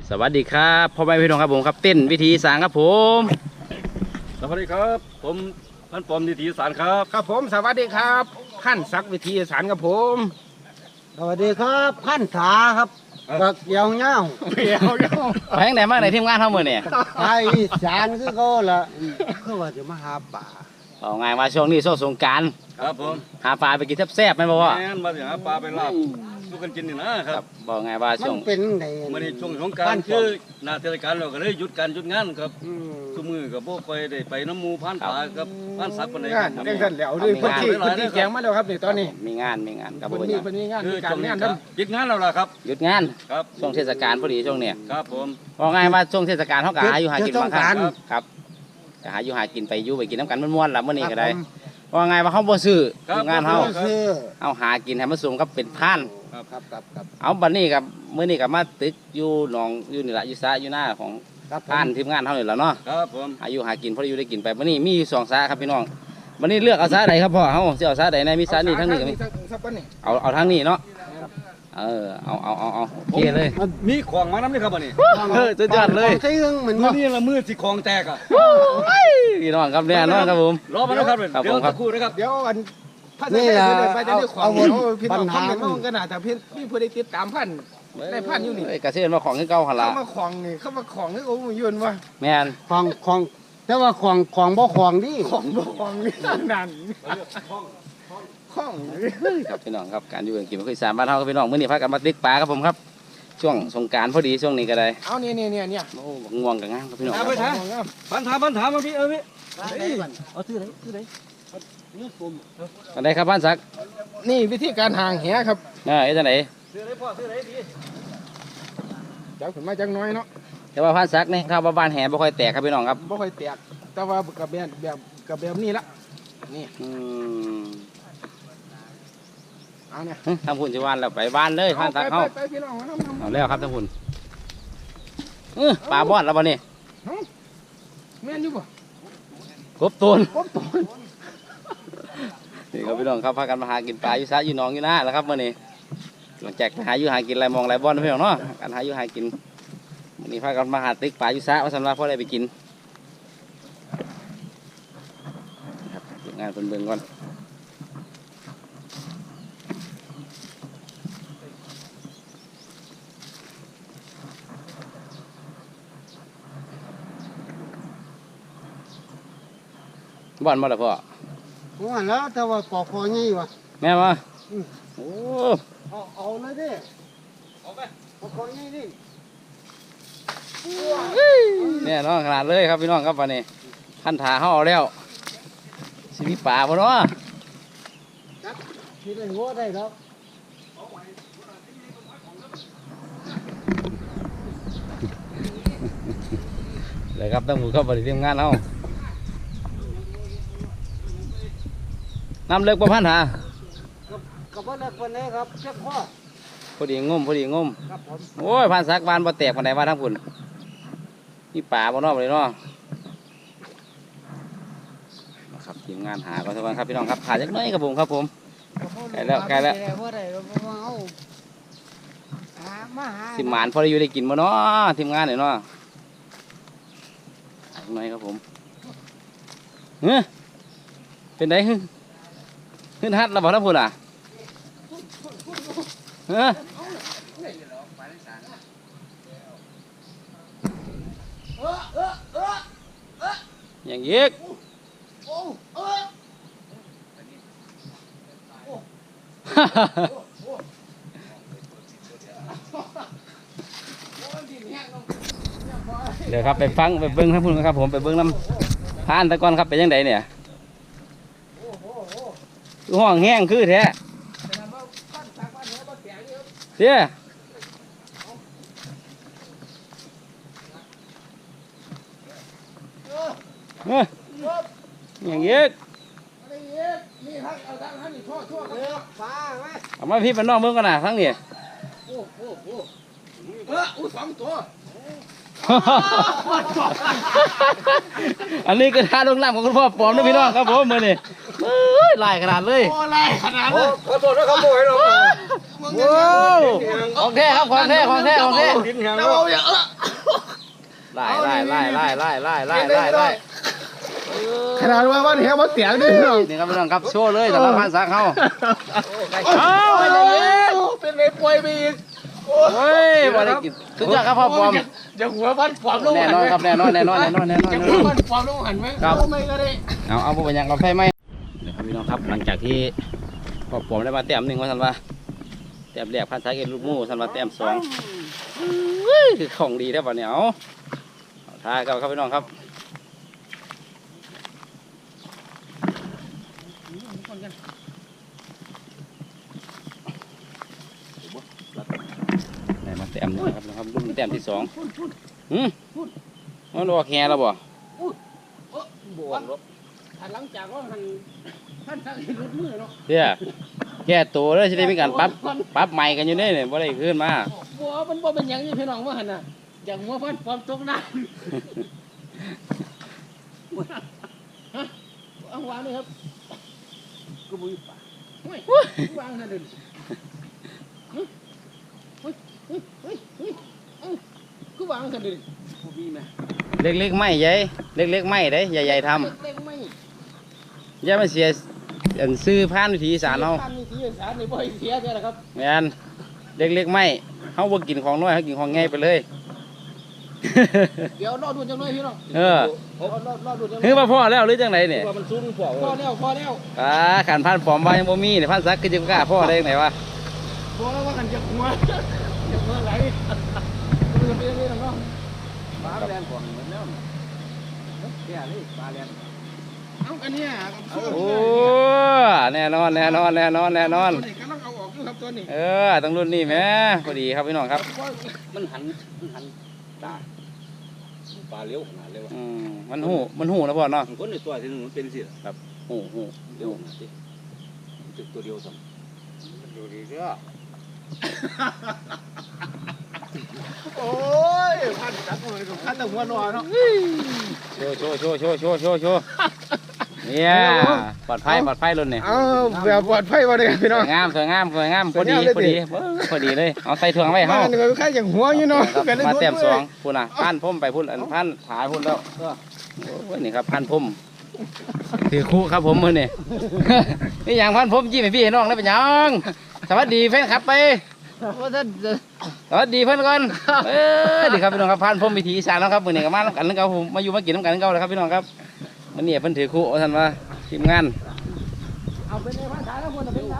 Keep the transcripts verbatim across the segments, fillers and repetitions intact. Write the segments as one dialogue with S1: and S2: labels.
S1: สวัสดีครับพ่อแม่พี่น้องครับผมครับเต้นวิธีสางครับผม
S2: สวัสดีครับผมพันปอมวิธีสารครับ
S3: ครับผมสวัสดีครับขั้นซักวิธีสารครับผม
S4: สวัสดีครับขั้นขาครับบักเหี่ยวเงา
S3: เหี่ยวเงา
S1: ไปทางไหนมาไหนทีมงานเท่ามือเนี่ย
S4: ไทยอีสานคือเขาละคือว่าจะมาหาป่า
S1: เอาไงมาช่วงนี้ช่วงสงกรานต์
S2: ครับผม
S1: หาปลาไปกินแซ่บๆไหมบอกว่า
S2: แม่นมาถึงหาปลาไปลาบลูกกันกินนี่นะครับ
S1: บอกไงว่า
S4: มั
S1: ช่วง
S4: นเป็นไง
S2: มื่อนี้ช่วงสงกรารคือหน้าเทศกาลเราก็เลยหยุดการหยุดงานครับ
S4: อืม
S2: ทุกมือกับพวกไปได้ไปน้ำหมูพันปลากับพันสักคนไหน
S3: งาน
S2: ครับ
S3: เร่งสั่นแล้วด้วยพื้นที่พื้นที่แกงมาแล้วครับนี่ตอนนี้
S1: มีงานมีงานกับ
S3: พื้น
S1: ผม
S3: ที่พื้นที่งาน
S2: คื
S3: มี
S2: อ
S3: การ
S2: ช่วงนี้
S3: งาน
S2: ครั
S3: นั้
S2: บ
S3: น
S2: หยุดงานแล้วล่ะครับ
S1: หยุดงาน
S2: ครับ
S1: ช่วงเทศกาลพอดีช่วงเนี้ย
S2: ครับผม
S1: บอกไงว่าช่วงเทศกาลเขาก็หาอยู่หากิน
S4: ต้
S1: บางครั้งครับก็หาอยู่หากินไปอยู่ไปกินน้ำกันม้วนๆล่ะเมื่อนี้ก็ได้ว่าไงว่าเขาบ่ซื้อทีมงานเขา
S4: คือ
S1: เอาหากินให้มันสูงกับเป็นท่าน
S4: ครับครับครับ
S1: เอาบัดนี้กับมื้อนี้กับมาตึกอยู่หนองอยู่นี่ละอยู่ซะอยู่หน้าของ
S4: ครับ
S1: ท่านทีมงานเฮานี่แหละเนาะ
S2: ครับผม
S1: อายุหากินพออยู่ได้กินไปบัดนี้มีอยู่สองซะครับพี่น้องบัดนี้เลือกเอาซะใดครับพ่อเฮาสิเอาซะใดในมีซะนี่ทั้งนี้ก็มี
S3: สักวันนี้
S1: เอาเอาทางนี้เนาะเออเอาเอาเอาเอาโอเคเลย
S2: มีของมาน้ำนี่ครับวันนี้
S1: เออสุดยอดเลย
S4: ใช้เรื่องเหมือน
S2: มื่อ
S4: ว่า
S2: นี้ละมือสิของแตกอ่ะ
S1: พี่น้องครับเนี่ยน้องครับผม
S2: รอมาแล้วครับ
S1: ครับ
S2: เดี๋ยว
S1: ผมครั
S2: สั
S1: บ
S2: กครู่นะครับ
S3: เดี๋ยวอันพระเจ้าได้ไปจะได้ของเดี๋ยวพี่น้องคอมเมนต์มากันนะแต่พี่พี่ผู้ใดติดตามพันได้พันอยู่นี่
S1: เอ้ยกระเซ็นมาของคือเก่าหั่นล่ะ
S3: เข้ามาของนี่เข้ามาของนี่โอ้ยยืนว่า
S1: แม่น
S4: ของของแต่ว่าของของบ่ของดิ
S3: ของบ่ของนี่นั่นของ
S1: ครับพี่น้องครับการอยู่กันกินมันคืออีสานบ้านเฮาครับพี่น้องมื้อนี้พากันมาตึกปลาครับผมครับ ช่วงสงกรานต์พอดีช่วงนี้ก็ได้
S3: เอาเนี่ยเนี่ยเนี่ยเนี่ย
S1: โอ้บักง่วงกับงามครับพี่น้องค
S2: เอา
S1: รับ
S2: ไปถามพันถามพันถามมาพี่เออพี่
S4: เอาซื้อไหนซื้อไหนนี่ผม
S1: อันใดครับบ้านสัก
S3: นี่วิธีการห่างแหครับ
S1: เออเอ๊ะจังได
S2: ซื้อไหนพ่อซื้อไหนพี่
S3: เจ้าขึ้นมาจังน้อยเนาะ
S1: แต่ว่าบ้านสักนี่ครับว่าบ้านแหบ่ค่อยแตกครับพี่น้องครับ
S3: บ่ค่อยแตกแต่ว่ากับแบบแบบกับแบบนี้ละนี่
S1: อืม
S3: เอาเนี่ย
S1: หึทำพุ่นสิว่านแล้วไปบ้านเลยบ้านสัก
S3: ไป
S1: เฮา
S3: ไปพี่น้องมาน้ำ
S1: เอาแล้วครับทำพุ่นเออปลาบ้อนแล้วบ่นี่
S3: แม่นอยู่บ่
S1: กบตูน
S3: กบตน
S1: นี่ครับพี่น้องครับพากันมาหากินปลาอยู่ซะอยู่หนองอยู่นาแล้วครับมื้อนี้หลังจากหาอยู่หากินอะไรมองอะไรบ่อนนะพี่น้องเนาะการหาอยู่หากินมื้อนี้พากันมาหาตึกปลาอยู่ซะว่าสำหรับพ่อได้ไปกินครับเก็บงานเพิ่นเบิ่งก่อนบ่อนบ่ล่ะพ่อ
S4: ว่าแล้วแต่ว่าปอกคองี้วะ
S1: แม่มาโอ้
S4: เอาเอาเลยดิเอาไปปอกคองี้ดิ
S1: เนี่ยน้องขนาดเลยครับพี่น้องครับวันนี้ขั้นถาเขาเอาแล้วสิมีป่าบ่เนาะ
S4: ที่ได้หัวได้แล้ว
S1: เลยครับต้องมือเข้าไปทีมงานเขาน้ำเลิกประพันธ์หา
S4: กับว่าเล็กคนนี้ครับเช็คข้อ
S1: พอดีงมพอดีงม
S4: ครับผม
S1: โอ้ยพันสักบานบ่แตกพันใดว่าทั้งพุ่นมีป่าบ่เนาะบ่เลยเนาะนะครับทีมงานหาก็สักวันครับพี่น้องครับหาจักหน่อยครับผมครับผม ใกล้แล้วใกล้แล้ว
S4: ว่าได้เราเอาหามาหา
S1: สิหมานพอได้อยู่ได้กินบ่เนาะทีมงานเนี่ยเนาะหาจักหน่อยครับผมเฮ้ยเป็นไงฮึขึ้นฮัดแล้วบ่ทั้งพุ่นอ่ะเฮ้ยอย่างยีกเดี๋ยวครับไปฟังไปเบิ้งทั้งพุ่นครับผมไปเบิ้งน้ำพานตะกอนครับเป็นยังไงเนี่ยคือห้องแห้งคือแท้เสียเฮ้ยอย่างยีก
S3: นี่ครับเอาทางท่านนี่ทั่วทั่วครับ
S4: ฟ้าไหม
S1: เอามาพี่เป็นน้องเบิ้งกันนะทั้งนี้
S3: เอออู้สองตัว
S1: อันนี้ก็ท่าลงน้ำของคุณพ่อปอมนะพี่น้องครับผมมือนี่เอ้ยลายขนาดเลย
S3: โอ้ไรขนาดนั้น
S2: ขอโทษนะครับโมให้เรา
S3: ม
S1: โอ้ของแท้ครับของแท้ของแท้ของแท้
S3: เราเอาอย่างเออ
S1: ไล่ไล่ไล่ไล่ไล่ไล่ไล่ไล่ไล่
S3: ขนาดว่าวันแหมาเสียงด้วยน้อง
S1: นี่ครับพี่น้องครับโชว์เลยแต่ละพันสักเขา
S3: เอาเป็นไงป่วยไปอีก
S1: เฮ้ยบอลกินสุดยอดครับพ่อปอม
S3: อย่าหัวพันปอมลง
S1: แน่
S3: หัน
S1: นอน
S3: ไหม
S1: ครับแน่นอนแน่นอนแน่นอนแน่นอน
S3: อย่า
S1: แน่
S3: หั
S1: น
S3: ว
S1: อน
S3: พันปอมลงหันไหม
S1: ครับ
S3: เอาไม่ก็ได้
S1: เอาเอาไปยังกาแฟไหมเดี๋ยวครับพี่น้องครับหลังจากที่พ่อปอมได้มาแต้มหนึ่งว่าท่านว่าแต้มแรกพันสายเอ็นลูกหมูท่านว่าแต้มสองคือของดีได้ป่ะเนี่ยเอาท่ากันครับพี่น้องครับได้มาแต้มหนึงครับนะครับรุ่นแต้มที่สองหืมมันออกแง่แล้วบ่
S3: บวกหลังจากว่าหันท่านสั่งรถมือเนาะ
S1: เดี๋ยวแก้ตัวเลยจะได้มีการปรับปรับใหม่กันอยู่เนี่ยเนี่ยบ่ได้ขึ้นมา
S3: บัวมันบ่เป็นอย่างนี้พี่น้องว่าหันน่ะอย่างหัวพันปอมตกน้ำฮะเอาวางเลยครับกูบุยป่าเฮ้ยวางนั่นเดินเฮ้ยเฮ้ยเฮ้ยเฮ้ยเฮ้ยเอ้ากูวางนั่นเดินกูบีไหม
S1: เล็กๆไม่ใหญ่เล็กๆไม่ได้ใหญ่ๆท
S3: เล็กๆไม่
S1: ำอย่ามาเสียอันซื้อผ่านวิธีอีสานเรา
S3: ท่านมีสีอีสานนี่บ่อยเสียใช่ไหมครับ
S1: แม่นเล็กๆไม่เขาบ่กินของน้อยเขากินของง่ายไปเลย
S3: เดี๋ยวรอดูจังเลยพี่น้อง
S1: เออ
S3: รอรอรอดูจังเล
S1: คื
S3: ย
S1: อมาพ่อแล้วหรือจังไหนเนี่ย
S2: ว่ามันซุ้มพวก
S3: พอแล้วพอแล้ว
S1: อ่าขันพันปลอมว่ายังบ่มีเนี่ยพันซักคือจะกล้าพ่อได้ยังไงวะ
S3: พอแล้วว่ากันจะหัวจะหัวไหลดูเป็นยังไงน้อง
S2: ปลาแรงกว่าเหมือนแล้วแก่เลยปลาแรง
S3: เอาอันนี้
S1: โอ้แน่นอนแน่นอนแน่นอนแน่นอน
S3: ตัวนี้กำลังเอาออกอยู่ครับตัวนี้
S1: เออต้องรุ่นนี้แหม่พอดีครับพี่น้องครับ
S2: มันหันมันหันตาปลาเลี้ยวขนาดเลยวะ
S1: อืมมันหูมันหูนะพ่อเนาะ
S2: คนในตัวที่มันเป็นสิ
S1: หูหู
S2: เลี้ยวขนาดนี้ตึกตัวเดียวซ้ำดูดีเด้อ
S3: โอ้ยพันจับเลยพันแต่หัวนอนเนาะ
S1: โชว์โชว์โชว์โชว์โชว์โชว์โชว์เนี่ยปลอดภัยปลอดภัยรุ่นเนี่ย
S3: เอาแบบปลอดภัยมาเลยพี่
S1: ส
S3: น้อง
S1: วยงามสวยงามสวยงามพอดีพอดีเออพอดีเลยเอาใส่ถุงไว้
S3: มา
S1: เฮา
S3: หนึ่งก็แค่อย่างหัวอยู่เนาะ
S1: ครับมาเต็มสองพุ่นน่ะพันพุ่มไปพุ่นอันพันถายพุ่นแล้วโอ้ยนี่ครับพันพุ่มถือคู่ครับผมมือนี่ นี่อย่างพันพุ่มจี้ให้พี่ให้น้องได้เป็นหยังสวัสดีแฟนคลับไปสวัสดีเพื่อนก่อนเออดีครับพี่น้องครับพันพุ่มวิถีอีสานแล้วครับมือนี่ก็มาน้ำกันนึงเขาผมมาอยู่มากินน้ำกันนึงเขาเลยครับพี่น้องครับมันนี่เพิ่นถือคู่เอาท่านว่าทีมงาน
S3: เอาเป็นในภาษาแล้วคนเป็นไง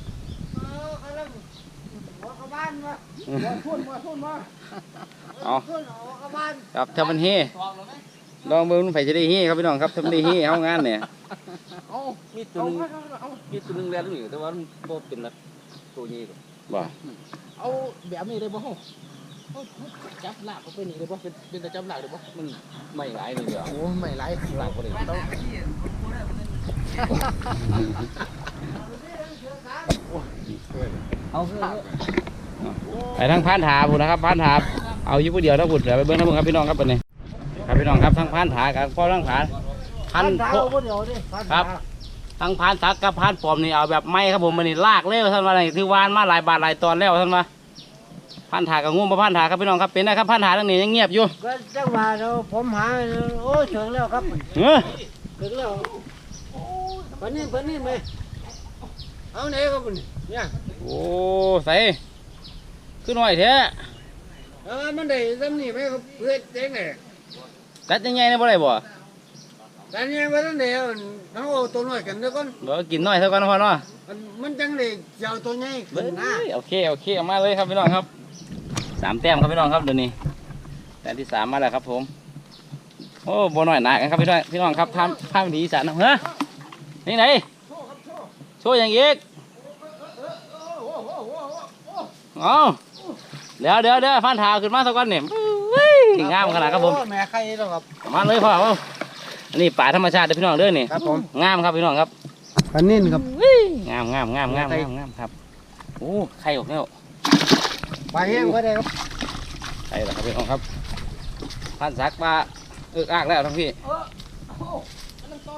S3: พูดมาพูดมา
S1: เอาครับถ้ามันเฮลองเบิ่งมันไฟจะได้เฮครับพี่น้องครับถ้ามันได้เฮเอางานเนี่ย
S3: เอา
S2: มีตัวนึงมีตัวนึงแรงอยู่แต่ว่ามันโตเป็นนักตัวนี้
S1: บ่
S3: เอาแบบนี้ได้บ่จับหลักเขาเป็นนี่ได้บ่เป็นเป็นแต่จับหลักได้บ่
S2: มันไม่หลายเลยเดียว
S3: โอ้ไม่ไหล
S2: หลักกว่าเลยต้อง
S3: เอา
S1: ไปทางพานถาพุ่นนะครับพานถาเอาอยู่ผู้เดียวถ้าพุ่นเดี๋ยวไปเบิ่งทั้งหมดครับพี่น้องครับวันนี้ครับพี่น้องครับทั้งพานถากับพ่อทั้งผาพันโคครับทั้งพานสักกับพานปลอมนี่เอาแบบไม้ครับผมมันนี่ลากเร็วท่านว่าอะไรที่วานมาหลายบาทหลายตอนแล้วท่านว่าพานถากับงูมาพานถาครับพี่น้องครับเป็นนะครับพานถาทั้งนี้ยังเงียบอยู่
S4: ก็จังหวะเราผมหาโอ้ถึงแล้วครับ
S1: เออ
S4: ถึงแล้วปนนี้ปนนี้ไหมเอาไหนครับเนี่ย
S1: โอ้ใส่ขึ้นหน่อยแท้
S4: เออมันได้ซ้ำนี่ไหมครับเพื่อนเจ๊งเลย
S1: ตัดยังไงเนี่ยบ่ได้บ่
S4: แต่เนี่ยว่าตั้งแต่เอาตัวน้อยกันเดี๋ยวก่อน
S1: เดี๋ยวกินหน่อยเท่ากันพอเนาะ
S4: มันจังเลยเจ้าตัวใหญ่
S1: เบ้
S4: ขึ้นนะ
S1: ยโอเคโอเคเอามาเลยครับพี่น้องครับสามแต้มครับพี่น้องครับเดี๋ยวนี้แต้มที่สามมาแล้วครับผมโอ้บ่น้อยหนากันครับพี่น้องพี่น้องครับทำทำวิธีอีสานนะเฮ้ยนี่ไหนโชว์อย่างอีกเอาเดี๋ยวเดี๋ยวเดี๋ยวฟันเท้าขึ้นมาสักก้อนเนี่ยงามขนาดครับผม
S4: แม่ใครแล้วครับ
S1: มาเลยพ่อเอาอันนี้ป่าธรรมชาติเด้อพี่น้องเด้อนี่
S4: ครับผม
S1: งามครับพี่น้องครับ
S4: ปันนี้ครับ
S1: งามงามงามงามงามงามครับโอ้ไข่ออกแล้ว
S4: ไปแห้งก็ได้ครับ
S1: ไข่แล้วครับพี่น้องครับพันสักปลาเอือกอากแล้วทั้งพี่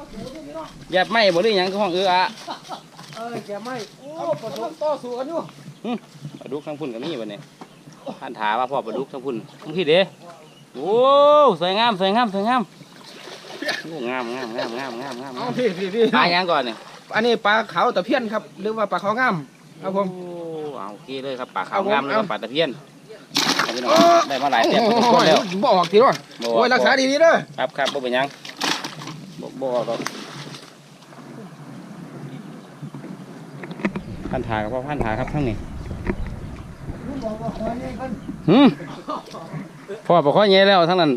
S1: แยบไหมบ่หรือหยังก็ห้องเอือกอะ
S4: เออแกไม่
S3: โอ้ประสบต่อสู้กันอยู่
S1: ปลาดุกทั้งพุ่นก็มีบัดนี้ท่านถามว่าพ่อปลาดุกทั้งพุ่นทั้งพี่เด้โอ้สวยงามสวยงามสวยงามโอ้งามงามงามงามงามงาม
S3: เอาพี่พี่พี่
S1: ปลายังก่อนนี่
S3: อันนี้ปลาขาวตะเพียนครับหรือว่าปลาขาวงามครับผม
S1: โอ้เอาโอเคเลยครับปลาขาว
S3: เอาผม
S1: งามเลยครับ
S3: เอา
S1: ปลาตะเพียนเอาพี่น้อง
S3: โอ้
S1: ได้มาหลายเต็ม
S3: โอ้
S1: ทุกคนแล้ว
S3: ยบ่ออกทีด้วย
S1: บ่
S3: โอ้ยรักษาดีๆเด้อ
S1: ครับครับบ่เป็นหยังบ่บ่ครับพันถากับพ่อพันถาครับทั้งนี้หืมพ่อปกข้อเงี้ยแล้วทั้งนั้น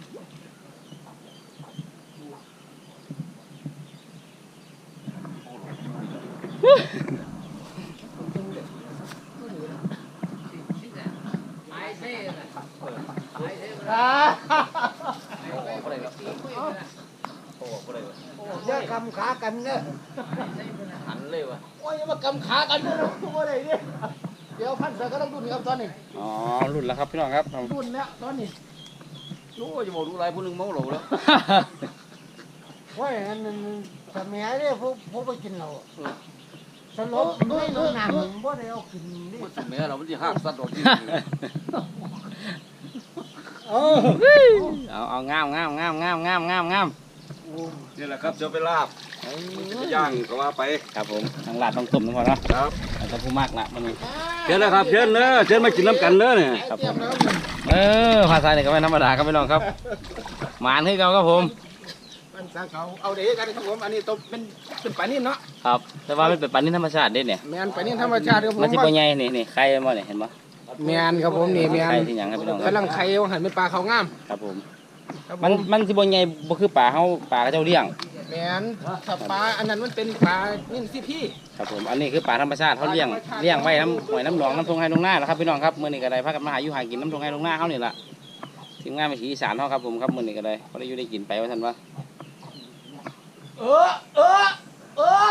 S4: อย่ากำขากันเด้อ
S1: หันเลยวะ
S3: โอ้ยมากำขากันด้วยนะโอ้ยเนี่ยเดี๋ยวพันเสือก็ต้องดุนครับตอนนี้
S1: อ๋อรุ่นแล้วครับพี่น้องครับ
S3: ดุนแล้วตอนนี้
S2: โอ้ยจะบอกดูอะไรผู้หนึงเมาเหล้าแล้ว
S4: โอ้ยอันนั้นสมัยนี้ผู้ผู้ไปกินเหล้าสลบไม่นอนหนังบ่ได้เอากินนี่
S2: แม่เรามันจะหักสัตว์ออกที่
S4: เออ
S1: เอาเอางามงามงามงามงามงามงาม
S2: นี่แหละครับจะไปลาบจะย่างก็ว่าไป
S1: ครับผมทางลาดต้องตุ่มทุกคนเนาะ
S2: ครับ
S1: เราต้องผู้มากละมันนี่
S2: เชิญนะครับเชิญเนอะเชิญมากินน้ำกันเนอะเนี่ย
S1: ครับผมเออภาษาเนี่ยก็ไม่ธรรมดาครับพี่น้องครับหมานให้เราครับผม
S3: มันสาเขาเอาเด็กกันครับผมอันนี้ตัวเป็นเป็นปลานิ่มเนาะ
S1: ครับแต่ว่ามันเป็นปลานิ่ธรรมชาติเด็ดเนี่ย
S3: แมนปลานิ่มธรรมชาติครับผม
S1: มันสิบ่ใหญ่นี่นี่ไข่มันเนี่ยเห็นปะ
S3: แมนครับผมนี่แมน
S1: ไข่ที่หยังครับพี่น้องค
S3: กำลั
S1: รับ
S3: งไข่ว่าหันเป็นปลาเขาวงาม
S1: ครับผม
S3: ครับผ
S1: มัน
S3: ม
S1: มันสิบ่ใหญ่บ่คือปลาเฮาปลากระเจ้าเลี้ยง
S3: แมนถ้าปลาอันนั้นมันเป็นปลานิ่มสิพี่
S1: ครับผมอันนี้คือปลาธรรมชาติเขาเลี้ยงเลี้ยงไว้น้ำหอยน้ำหนองน้ำทงไห้ลงหน้าแล้วครับพี่น้องครับมื้อนี้ก็ได้พากันมาหาอยู่หากินน้ำทงไห้ลงหน้าเฮานี่ล่ะทีมงานไปสีอีสานเฮาครับผมครับมื้อนี้ก็ได้พอได้อยู่ได้กินไปว่าซั่นว่า
S3: เออเออเออ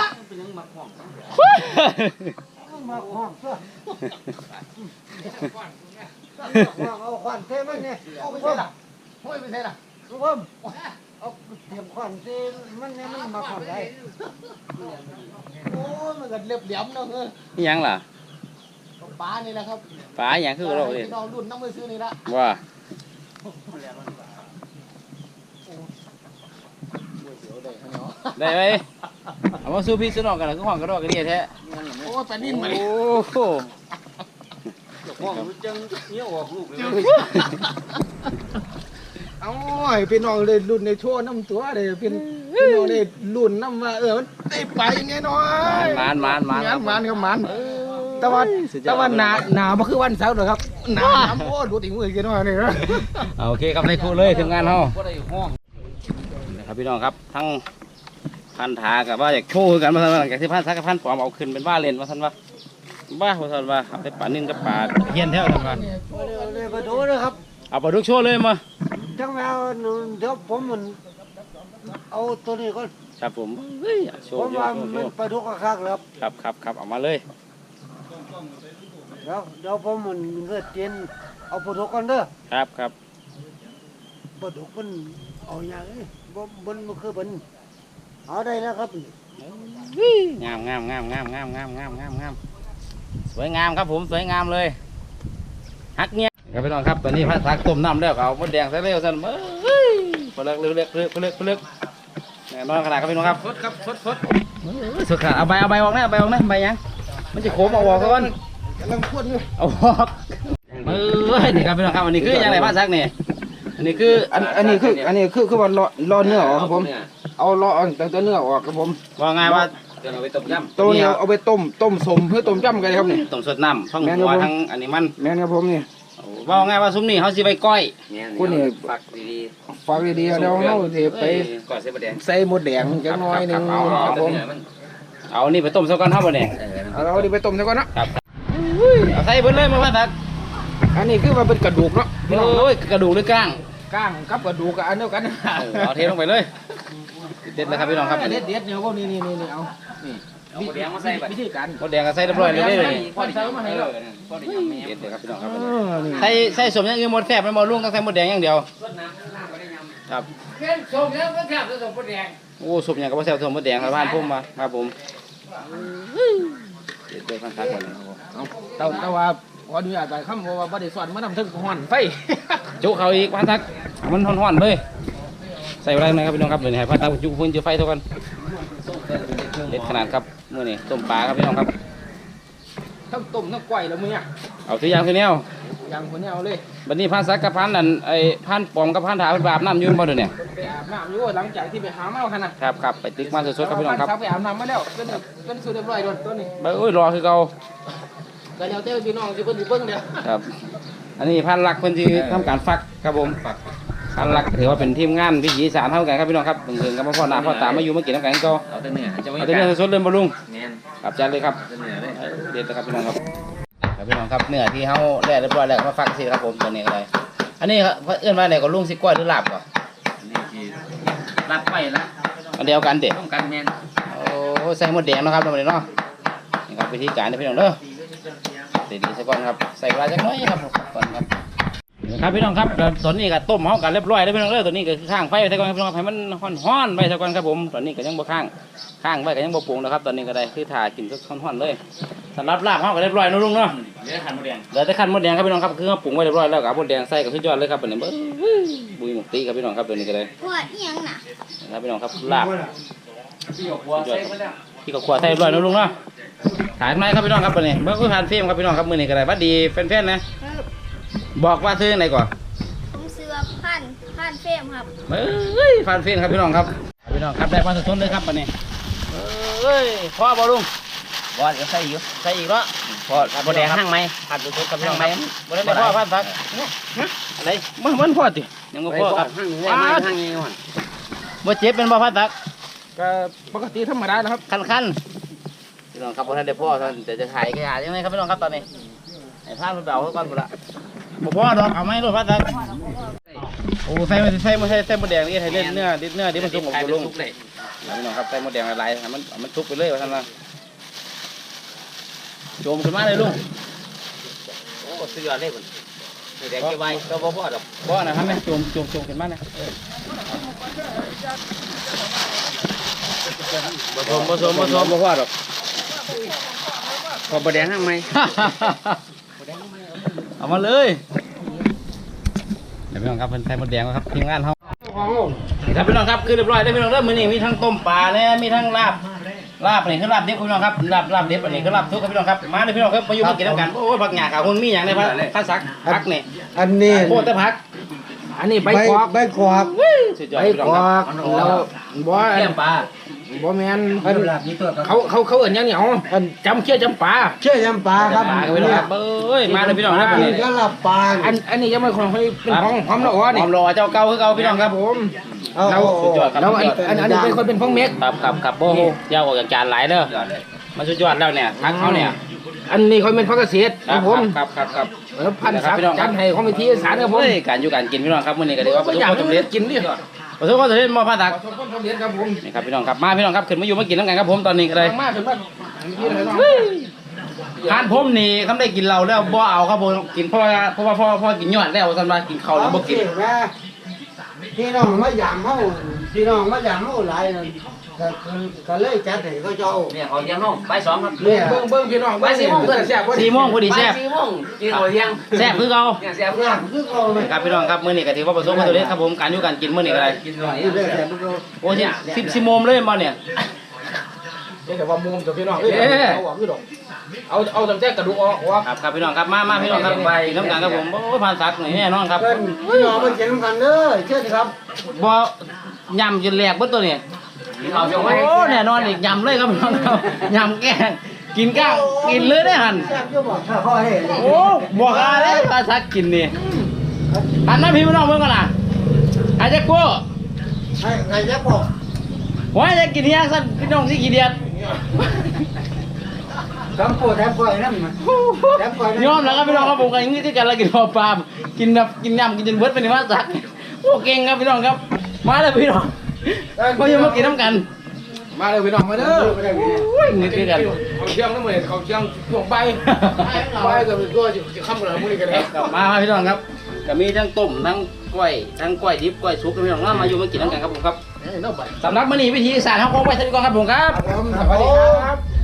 S4: มาห้องเสื้อห้องเอาขวานเท่มันเนี่ย
S3: เอาไปใส่ละห้อยไปใส่ละ
S4: ทุกคนเอาเตรียมขวานเท่มันเนี่ยมันมาขวานได้
S3: โอ้ยมันก็เรียบเหลี่ยมเนาะเออ
S1: นี่หยังล่ะ
S3: ปลานี่แหละครับ
S1: ปลาหยังคือเราเด้
S3: พี่น้องรุ่นน้ำมือซื้อนี่ละ
S1: ว่า ได้ไหมเอามาสู้พี่สู้น้องกันแล้วก็ห้องกระโดดกระเดียแท้
S3: โอ้ยปลานิ่มมาดิ
S1: โอ้โห
S2: ห้องมันจังเนี้ยออกลูกเลย
S3: เอาให้พี่น้องเลยรุ่นในโชว์น้ำตัวเลยเป็นพี่น้องเลยรุ่นน้ำว่าเออมันได้ไปยังไงน้อย
S1: มานมานมาน
S3: งานมันครับมันแต่ว่าแต่ว่าหนาหนาบ่คือวันเสาร์หรอกครับหนาน้ำโอ้ดูถึงมือกันหน่อยนี่นะ
S1: เอาโอเคครับในครูเลยถึงงานเฮา
S2: ก็ได้ห้อง
S1: นะครับพี่น้องครับทั้งพันธากับว่าอยากโชว์กันมาทันว่าหลังจากที่พันธากับพันปลอมเอาขึ้นเป็นว่าเล่นมาทันว่าบ้ามาทันว่าเอาไปป่านิ่งกับป่าเฮียนแท้ทันว่า
S4: เลยมาดูนะครับ
S1: เอาปลาดุกโชว์เลยมา
S4: จังแมวเดี๋ยวผมมันเอาตัวนี้ก่อน
S1: ครับผมเฮ้ยโช
S4: ผ
S1: ว์
S4: ม
S1: โช
S4: ว่า
S1: ว์โช
S4: มัน
S1: ว์
S4: ปลาดุกคักๆแล้ว
S1: ครับครับครับเอามาเลย
S4: เดี๋ยวเดี๋ยวผมมันเลือดเตียนเอาปลาดุกก่อนเด้อ
S1: ครับครับ
S4: ปลาดุกมันเอาอย่างนี้บ่บนมันคือมันเอาได้แล้วครับ
S1: งามงามงามงามงามงามงามงามงามสวยงามครับผมสวยงามเลยฮักเนี่ยครับพี่น้องครับตอนนี้พันธาต้มน้ำแล้วก็เอามดแดงใส่เร็วสั่นเฮ้ยพลึกเลือกเลือกเลือกเลือกเลือกแน่นอนขนาดครับพี่น้องครับ
S3: สดครับสดสด
S1: สุดขาดเอาใบเอาใบออกนะเอาใบออกนะใบยังมันจะโค้งเอาออกก่อน
S3: กำลังพูดอยู่
S1: เอาออกเออนี่ครับพี่น้องครับอันนี้คือยังไงบ้างซักเนี่ยอันนี้คือ
S3: อันอันนี้คืออันนี้คือคือว่ารอรอเนื้อออกครับผมเอารอเอาตั้งแต่เนื้อออกครับผม
S1: ว่าไงว่า
S2: เดี๋ยวเราไปต้มยำ
S3: ตัวนี้เอาไปต้มต้มสมเพื่อต้มจ้ำกันครับนี่
S1: ต้มสดน้ำทั้ง
S3: แม่น
S1: หัว
S3: ครับผม
S1: ทั้งอันนี้มัน
S3: แม่นครับผมนี่
S1: ว่าไงว่าซุ้มนี่เขาสิไปก้อย
S3: คุณนี่
S2: ฝักดี
S3: ฝากดีๆเดี๋ยวเราสิไป
S2: ๆก่อนเส้นบะแดง
S3: ใส่หมดแดงจังน้อยหนึงครับผม
S1: เอานี่ไปต้มซะก่อนเท่าบ่เนี่ย
S3: เอาเราดิไปต้มซะก่อนเนาะ
S1: ครับเอาใส่เบิดเลยมาพันซัก
S3: อันนี้คือว่าเป็นกระดูกเนาะพี่น้อง
S1: โอ้ยกระดูกหรือก้าง
S3: ก้างกับกระดูกกับอันเดียวกัน
S1: เออเอาเทลงไปเลยเด็ดเลยครับพี่น้องครับ
S3: เด็ดเด็ดเนี่ยพวกนี้นี่นี่นี่เอานี่
S2: เอาบะแดงมาใส่บัด
S3: วิธีการ
S1: มดแดงก็ใส่เรียบร้อยเลยเด้อนี่
S3: พอใส่มาให้แล้ว
S2: พอได้ยำแม่
S1: เด็ดเลยครับพี่น้องครับ
S3: เออนี่
S1: ใส่ใส่สมอย่างอื่นหมดแซ่บไม่หมดลุงต้องใส่หมดแดงอย่างเดียว
S2: สดน้ำน้ำก็ได้ยำ
S1: ครับ
S4: เขียนส่งแล้วก็แทบจะส่งปลาแดง
S1: โอ้สมอย่างกับว่าแซ่บสมหมดแดงครับบ้านพุ่มมาครับผมเด็ดเลยพันทักก่อนเลย
S3: แต่แต่ว่าขออนุญาตไปคำเพราะว่าบ่ได้สอนมานำถึงห้อนไฟ
S1: จุเขาอีกพันทักมันห่อนๆเลยใส่อะไรหน่อยครับพี่น้องครับเดี๋ยวนี้ให้พันทักจุพื้นจุไฟเท่ากันเด็ดขนาดครับมื้อนี้ต้มปลาครับพี่น้องครับ
S3: ทั้งต้มทั้งก้อยแล้วมื้อเนี่ย
S1: เอาทุกอย่างคือแนว
S3: ยังคนนี้เอาเลย
S1: บัดนี้พันซักกับพันนั่นไอ้พันปอมกับพันถาเป็นบาบน้ำอยืนบ่เดี๋ยวนี้
S3: ไปอาบน้ำอยู่หลังจากที่ไปหาเมาขนาด
S1: ครับครับไปตึกมาสดๆครับพี่น้องครับ
S3: ไปอาบน้ำมาแล้วเป็นเป็นสูตรเรียบร้อยโดนตัวนี้
S1: ไปโอ้ยรอคือเก่า
S3: ก็แล้วแต่พี่น้องที่เพิ่นสิเบิ่งเด้อ
S1: ครับ อันนี้พันลักเพิ่นที่ทำการฟักครับผมพันลักถือว่าเป็นทีมงานวิถีอีสานเท่ากันครับพี่น้องครับเพิ่งๆกับพ่อหน้าพ่อตามาอยู่มากินน้ำกันก็
S2: เอาแต่เนื้อจะไม่
S1: เอาแต่เนื้อสดๆเลยบ่ลุง
S2: แม่น
S1: ครับจัดเลยครับ
S2: แต่เนื้อเลย
S1: เด็ดนะครับพี่น้องครับครับพี่น้องครับเนื้อที่เฮาแล่เรียบร้อยแล้วก็มาฟักสิครับผมตัวนี้อะไรอันนี้ครับเอื้อนว่าไหนก็ลุงสิก้อยหรือลาบก่อน
S2: อันนี้คือรัดไปละ
S1: อันเดียวกันเด็ด
S2: ต้องกันแม่น
S1: โอ้ใส่หมดแดงเนาะครับตรงนี้เนาะนี่ครับวิธีการนะพี่น้องเด้อเด็ดดีซะก่อนครับใส่ปลาจักหน้อยครับก่อนครับครับพี่น้องครับตัวนี้ก็ต้มเฮากันเรียบร้อยแล้วพี่น้องเด้อตัวนี้ก็คือข้างไฟไว้ซะก่อนครับพี่น้องให้มันฮ้อนๆไว้ซะก่อนครับผมตอนนี้ก็ยังบ่ข้างข้างไว้ก็ยังบ่ปรุงนะครับตอนนี้ก็ได้คือถ่ากินก็ฮ้อนๆเลยสำหรับลาบเฮาก็เรียบร้อยเนาะลุงเนาะ
S2: เนื้อขันหมูแดง
S1: เหลือแต่ขั้นมดแดงครับพี่น้องครับคือเราปรุงไว้เรียบร้อยแล้วกับมดแดงใส่กับสุดยอดเลยครับเป็นนี้เบ้อบุยหมกตีครับพี่น้องครับตัวนี้ก็เลย
S5: หัวเอียงน่ะ
S1: นะครับพี่น้องครับลาบ
S2: ที่หยกบัวใส่ไปแล้ว
S1: ที่กับขวดใส่เรียบร้อยนะลุงเนาะถ่ายไหมครับพี่น้องครับตัวนี้เมื่อคุยผ่านฟิล์มครับพี่น้องครับมือนี้ก็ได้บัดดีแฟนๆนะบอกว่าซื้อไหนก่อน
S5: ผมซื้อพันพันเฟรมครับ
S1: เอ้ยผ่านฟิล์มครับพี่น้องครับพี่น้องครับได้มาสดๆเลยครับตัวนี้เอ้ยพ่อบอลุง
S2: บัวเดี๋ยวใส่อยู่
S1: ใส่อีกแล้ว
S2: พอบัวแดงห้างไหม
S1: ผัดสดๆกับพี่น้องไหมบ่ได้พ่อพันสักอะไรมันมันพ่อติยังบ่พ่อครับ
S2: ห้างนี้ห้างนี้ก่อน
S1: บ่เจ็บเป็นบ่พันสัก
S3: ก็ปกติธรรมดานะครับ
S1: คันคันๆพี่น้องครับพอท่านได้พ่อท่านจะจะถ่ายกระดาษยังไงครับพี่น้องครับตอนนี้ไอ้ผ้ามันเบาก่อนหมดละบ่พ่อดอกเอาไหมรถพัดทักโอ้ใส่มาใส่มาใส่ใส่หมดแดงนี่ให้เล่นเนื้อดิบเนื้อดิบมันสุกหมดลุงพี่น้องครับใส่หมดแดงละลายให้มันมันสุกไปเลยว่าท่านว่าโจมขึ้นมาเลยลุง
S2: โอ้สุดยอดเลยคุณแดงเกี่ยวไว้ก็บ่พอดอก
S1: บ่นะครับแม่โจมโจมโจมขึ้นมานะผสมผสมผสมบ่พ่อดอก
S2: พอบัวแดงห้างไหม
S1: เอามาเลยเดี๋ยวพี่น้องครับเป็นไทยมดแดงครับทีมงานเขาครับพี่น้องครับคือเรียบร้อยได้พี่น้องเริ่มมือนี้มีทั้งต้มปลาเนี่ยมีทั้งลาบลาบนี่คือลาบเด็บพี่น้องครับลาบลาบเด็บอันนี้คือลาบทุกครับพี่น้องครับมาเลยพี่น้องครับมาอยู่มากินน้ำกันโอ้ยผักหยาขาวคนมีอย่างไรพักข้าซักพักนี่
S4: อันนี้
S1: โคตรแต่พัก
S3: อันนี้ใบ
S4: ใบ
S3: กอก
S4: ใบกอก
S1: สุดยอด
S3: ใบ
S1: พี่น้
S3: ก
S1: อง
S3: อ
S1: ครับ
S3: กเราบ่
S2: เกี่ยมปลา
S3: บ่แม่นเขาเขาเขาเอิ้นหยังเนี่ยอ๋อจำเขี้ยวจำปลา
S4: เชื่อยำปลาครับ
S1: ปลาครับพี่น้องครับเอ้ยมาเลยพี่น้องครับ
S4: อันนี้ก็ลับปลา
S3: อันอันนี้ยังไม่คนเขาเป็นของหอมละอ๋อ
S1: ห
S3: นี่
S1: อมรอเจ้าเก่าคือเก่าพี่น้องครับ
S3: ผม
S4: เอา
S3: เรา
S1: สุดยอดครับ
S3: เราอันอันอันนี้เป็นคนเป็นของเม็ก
S1: ครับครับครับโอ้โหยาวออกจากจานหลายเด้อมาสุดยอดแล้วเนี่ยพักเขาเนี่ย
S3: อันนี้เขาเป็นพักเกษตร
S1: ค
S3: ค
S1: รั
S3: รั
S1: บบ
S3: ผม
S1: ครับครับครับ
S3: เออพันศักดิ์จันให้ของวิธีสารครับผม
S1: เฮ้ยการอยู่การกินพี่น้องครับมื้อนี้ก็ถือว่าประสบความสำเร็จ
S3: กินดิ
S1: ประสบความสำเร็จมอพาตัก
S3: ประสบความสำเร็จครับผม
S1: นี่ครับพี่น้องครับมาพี่น้องครับขึ้นมาอยู่มากินน้ำกันครับผมตอนนี้ก็เลย
S3: มากถึงว่าพี่เลยเนาะ
S1: ทานผมนี่ทำได้กินเราแล้วบ่เอาครับผมกินเพราะว่าเพราะว่าพ่อพ่อกินยอดแล้วสันว่ากินข้าวแล้วบ่กิน
S4: พี่น้องมาหยามเขาพี่น้องมาหยามเขาหลายนั่นก็คือก็เลยจัดให้เขาเจ้า
S2: เนี่ยเขาเลี้ยงน้องใบสองครับ
S4: เนี่ย
S3: เบิ่งเบิ่งพี่น้อง
S2: ใบสี่โมง
S3: เพื่อนแซ่บ
S1: สี่โมงพอดีแซ่บ
S2: สี่โมงกินเขาเลี้ยง
S1: แซ่บคือเก่า
S2: เนี่ยแซ่บ
S4: เนี่ยคือเขาเลย
S1: ครับพี่น้องครับมื้อนี้ก็ถือว่าประสบความสำเร็จครับผมการอยู่การกินมื้อนี้ก็ได้
S2: กินหน่อย
S4: นี่เลยแต่พวกเรา
S1: โอ้ยสิบสิบโมงเลยมาเนี่ย
S3: แต่ว่ามุมตัวพี่น้องเอ้ยเอาออกคือดอกเอาเอาตั้งแต่กระดูกออกออก
S1: ครับครับพี่น้องครับมามาพี่น้องครับไปกินน้ำกันครับผมโอ้ยผ่านสักหน่อยแน่นอนครับ
S4: เพิ่นพี่น้องมากินกันเด้อเชื่อสิครับ
S1: บ่ยำจนแหลกเบิดตัวนี้
S2: กินเขาเชียวไว้
S1: โอ้แน่นอนอีกยำเลยครับพี่น้องครับยำแกงกินก้างกินเลยได้หัน
S4: แซ่บอยู่บ่ถ้าพ่อให้
S1: โอ้บอกอะไรภาษากินนี่อันนั้นพี่น้องเพิ่งกันนะอาจจะกลัว
S4: ให้ใครจะบอก
S1: ว่าจะกินยากสั้นพี่น้องที่กี่เดียด
S4: ทำปวดแทบปวดนั่นมันแทบปวด
S1: ยอมแล้วครับพี่น้องครับผมกันอย่างนี้ที่กันเรากินพอปลากินแบบกินยำกินจนเบิดไปในว่าสักโอ้เก่งครับพี่น้องครับมาเลยพี่น้องเขายังมากินน้ำกัน
S3: มาเลยพี่น้องมาเด้อ
S1: โอ้ยนี่คือกัน
S3: เขาเชียงน้ำมันเขาเชียงช่วงใบใบก็เป็นตัวจะข้ามกันมื้อนี้กันแล้ว
S1: กลับมาครับพี่น้องครับก็มีทั้งต้มทั้งกล้วยทั้งกล้วยดิบกล้วยสุกพี่น้องมาอยู่มากินน้ำกันครับผมครับ
S3: เอ้ยน้องใบ
S1: สำหรับมื้อนี้วิธีสารเขาคงไปทันก่อนครับผมครับ
S3: ครับผมสวัสดีครับ